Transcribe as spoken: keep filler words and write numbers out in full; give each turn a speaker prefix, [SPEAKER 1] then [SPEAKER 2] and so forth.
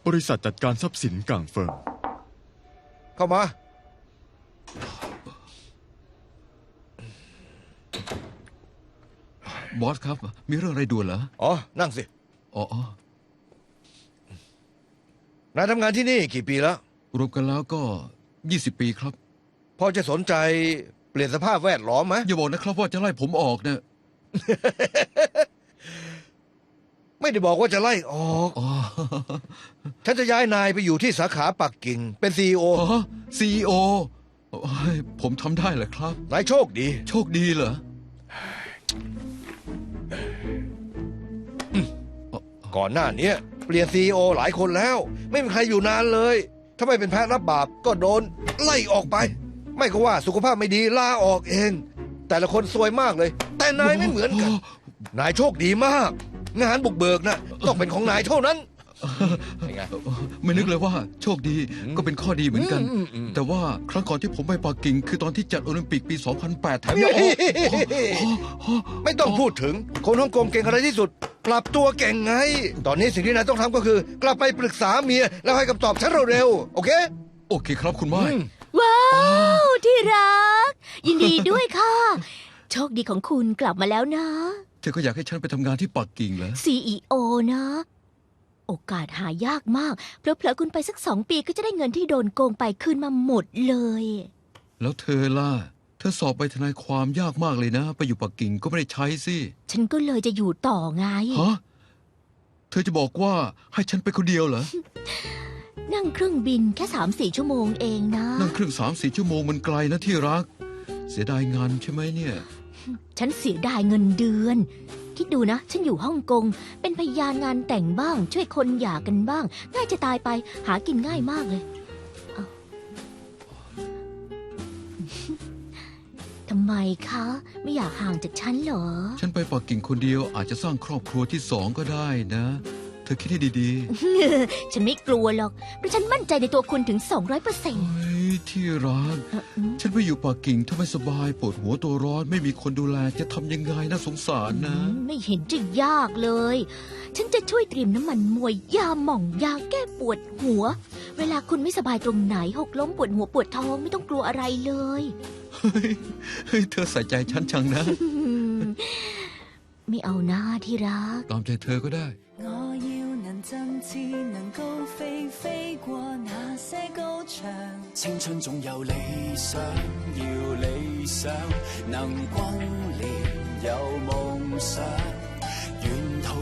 [SPEAKER 1] บริษัทจัดการทรัพย์สินก่างเฟิง
[SPEAKER 2] เข้ามา
[SPEAKER 3] บอสครับมีเรื่องอะไรด่วนเหรอ
[SPEAKER 2] อ๋อนั่งสิ
[SPEAKER 3] อ๋อ
[SPEAKER 2] นายทำงานที่นี่กี่ปีแล้ว
[SPEAKER 3] รวมกันแล้วก็ยี่สิบปีครับ
[SPEAKER 2] พอจะสนใจเปลี่ยนสภาพแวดล้อมไหม
[SPEAKER 3] อย่าบอกนะครับว่าจะไล่ผมออกเนี่ย
[SPEAKER 2] ไม่ได้บอกว่าจะไล่ออก ฉันจะย้ายนายไปอยู่ที่สาขาปักกิ่งเป็นซีอีโอ
[SPEAKER 3] ซีอีโอผมทำได้เหรอครับ
[SPEAKER 2] นายโชคดี
[SPEAKER 3] โชคดีเหรอ
[SPEAKER 2] ก่อนหน้านี้เปลี่ยนซีอีโอหลายคนแล้วไม่มีใครอยู่นานเลยถ้าไม่เป็นแพ้รับบาปก็โดนไล่ออกไปไม่ก็ว่าสุขภาพไม่ดีลาออกเองแต่ละคนซวยมากเลยแต่นายไม่เหมือนกันนายโชคดีมากงานบุกเบิกนะต้องเป็นของนายเท่านั้น
[SPEAKER 3] ไม่นึกเลยว่าโชคดีก็เป็นข้อดีเหมือนกันแต่ว่าครั้งก่อนที่ผมไปปักกิ่งคือตอนที่จัดโอลิมปิกปีสองพันแปดแถมยัง
[SPEAKER 2] ไม่ต้องพูดถึงคนฮ่องกงเก่งอะไรที่สุดกลับตัวเก่งไงตอนนี้สิ่งที่นายต้องทำก็คือกลับไปปรึกษาเมียแล้วให้คำตอบฉันเร็วๆโอเค
[SPEAKER 3] โอเคครับคุณไม้
[SPEAKER 4] ว้าวที่รักยินดีด้วยค่ะโชคดีของคุณกลับมาแล้วนะ
[SPEAKER 3] เธอก็อยากให้ฉันไปทำงานที่ปักกิ่งเหรอ
[SPEAKER 4] ซี อี โอ นะโอกาสหายากมากเพลอๆคุณไปสักสองปีก็จะได้เงินที่โดนโกงไปคืนมาหมดเลย
[SPEAKER 3] แล้วเธอล่ะเธอสอบไปทนายความยากมากเลยนะไปอยู่ปักกิ่งก็ไม่ได้ใช้สิ
[SPEAKER 4] ฉันก็เลยจะอยู่ต่อไง
[SPEAKER 3] ฮะเธอจะบอกว่าให้ฉันไปคนเดียวเหรอ
[SPEAKER 4] นั่งเครื่องบินแค่สามสี่ชั่วโมงเองนะ
[SPEAKER 3] นั่งเครื่องสามสี่ชั่วโมงมันไกลนะที่รักเสียดายงานใช่ไหมเนี่ย
[SPEAKER 4] ฉันเสียดายเงินเดือนคิดดูนะฉันอยู่ฮ่องกงเป็นพยานงานแต่งบ้างช่วยคนหย่ากันบ้างง่ายจะตายไปหากินง่ายมากเลยทำไมคะไม่อยากห่างจากฉันเหรอ
[SPEAKER 3] ฉันไปปักกิ่งคนเดียวอาจจะสร้างครอบครัวที่สองก็ได้นะเธอคิดให้ดี
[SPEAKER 4] ๆฉันไม่กลัวหรอกเพราะฉันมั่นใจในตัวคุณถึงสองร้อยเปอร์เซ็นต์
[SPEAKER 3] ที่รักฉันไปอยู่ปักกิ่งถ้าไม่สบายปวดหัวตัวร้อนไม่มีคนดูแลจะทำยังไงน่าสงสารนะ
[SPEAKER 4] ไม่เห็นจะยากเลยฉันจะช่วยเตรียมน้ำมันมวยยาหม่องยาแก้ปวดหัวเวลาคุณไม่สบายตรงไหนหกล้มปวดหัวปวดท้องไม่ต้องกลัวอะไรเลย
[SPEAKER 3] เฮ้ยเธอใส่ใจฉันจังนะ
[SPEAKER 4] ไม่เอาหน้าที่รัก
[SPEAKER 3] ตามใจเธอก็ได้
[SPEAKER 5] 振翅能高飛，飛過那些高牆。青春總有理想，要理想能轟烈有夢想。